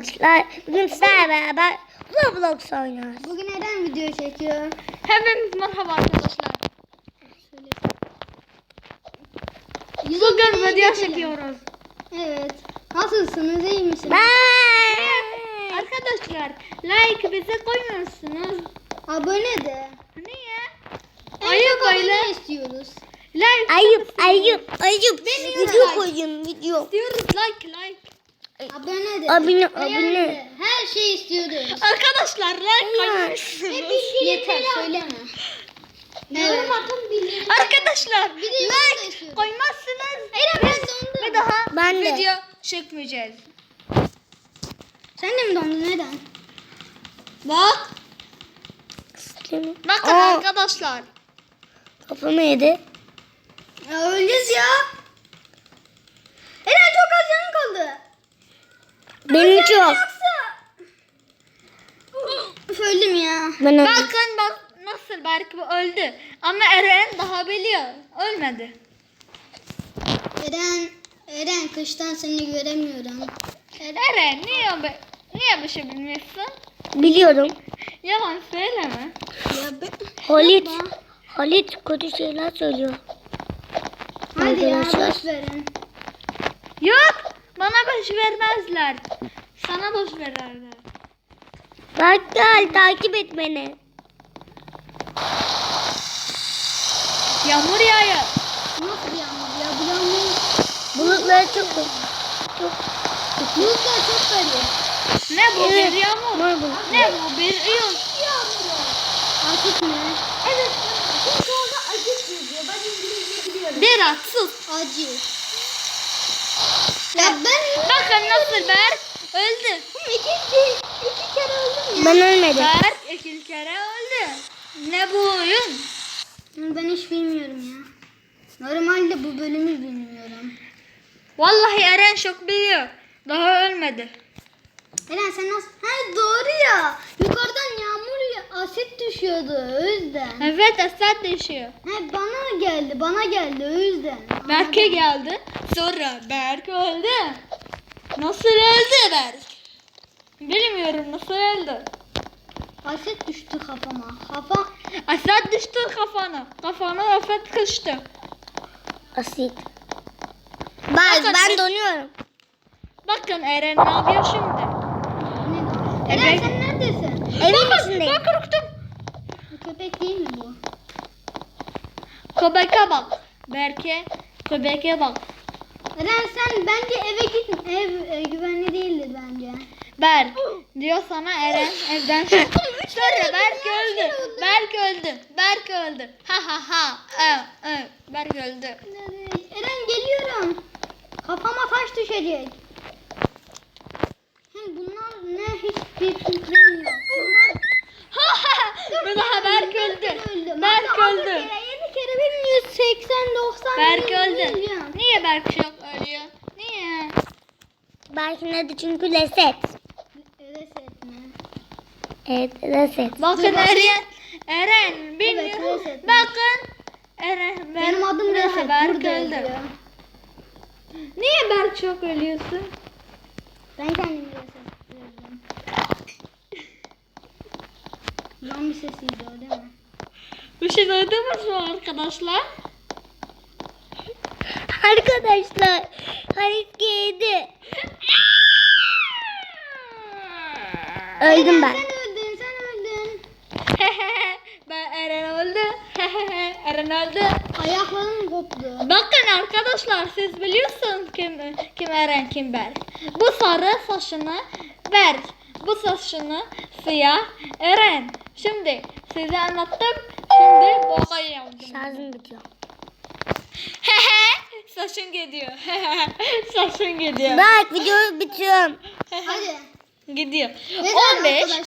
Bugün sizlerle beraber Roblox oynuyoruz. Bugün neden video çekiyor? Hepiniz merhaba arkadaşlar. Yüzü Bugün videoya video geçelim. çekiyoruz. Evet. Nasılsınız? İyi misiniz? Ben Arkadaşlar like bize koymuyorsunuz. Abone de. Niye? En Ayıp çok öyle. abone istiyoruz. Like ayıp. Beni Video like. koyun video. diyoruz like. Abone de. Abone. Beğen de. Her şey istiyoruz. Arkadaşlar like koymuyorsunuz. Yeter söyleme. Evet. Arkadaşlar Bir de yorum da istiyoruz. koymazsınız. Eren ben dondum. Bir daha Ben de. video çekmeyeceğiz. Sen de mi dondun? Neden? Bak. Bakın Aa. arkadaşlar. Kafamı yedi. Ya öleceğiz ya. Eren çok az canın kaldı. Benim çok. Üf, öldüm ya. Ben öldüm. Bakın bak nasıl belki bu öldü. Ama Eren daha biliyor. Ölmedi. Eren kıştan seni göremiyorum. Eren niye bir şey bilmiyorsun? Biliyorum. Yalan söyleme. Ya Halit kötü şeyler söylüyor. hadi ya Arkadaşlar. boş verin. Yok bana boş vermezler. Sana boş verirler. Bak gel takip et beni. Yağmur yağıyor. Nasıl bir yağmur ya? Bu yağmur. Bulutları çok Bulutlar çok garip. Ne bu Evet. bir yağmur? Mor bulut. Ne bu bir yıl? Akıt ne? Evet. Çünkü orada acı yazıyor. Ben İngilizce biliyorum. Bir atsız. Acı. Ya ben Bakın nasıl Berk öldü. iki kere öldüm ya. Ben ölmedim. Berk iki kere öldü. Ne bu oyun? Ben hiç bilmiyorum ya. Normalde bu bölümü bilmiyorum. Vallahi Eren çok biliyor. Daha ölmedi. Eren sen nasıl? Ha doğru ya. Yukarıdan yağmur asit düşüyordu o yüzden. Evet Esat düşüyor. He bana geldi o yüzden. Berk'e geldi. Sonra Berk öldü. Nasıl öldü Berk? Bilmiyorum nasıl öldü. Asit düştü kafama. Esat düştü kafana. Kafana afet kıştı. Asit. Bak Bakın. ben donuyorum. Bakın Eren ne yapıyor şimdi? Ne? Eren Evet. sen neredesin? Evin içindeyim. Ben korktum. Bu köpek değil mi bu? Köpeke bak. Berk'e köpeke bak. Eren sen bence eve git. Ev güvenli değildir bence. Berk diyor sana Eren evden çık. Sonra Berk öldü. Berk öldü. Berk öldü. Ha ha ha. Berk öldü. Eren geliyorum. Kafama taş düşecek. Bunlar ne hiçbir fikrim yok. Bir daha Berk öldü. Berk Hatta öldü. 7 kere benim 180-90 Berk öldü. Niye Berk çok ölüyor? Niye? Belki nedir çünkü reset. Reset mi? Evet reset. Bakın Eren bilmiyor. Evet, reset. Bakın Eren Benim adım bir daha Reset. Berk Burada öldü. yazıyor. Niye Berk çok ölüyorsun? Ben kendimi resetledim. Zombi sesiydi o değil mi? Bir şey duydunuz mu arkadaşlar? Arkadaşlar Halit yedi. Öldüm ben. Sen öldün. Ben Eren öldü. Eren öldü. Ayaklarım koptu. Bakın arkadaşlar siz biliyorsunuz kim Eren kim Berk. Bu sarı saçını Berk. Bu saçını siyah Eren. Şimdi size anlattım. Şimdi boğa yaptım. Şarjım bitiyor. Saçın gidiyor. Saçın gidiyor. Bak videoyu bitiriyorum. Hadi. Gidiyor. Neden 15, arkadaşlar?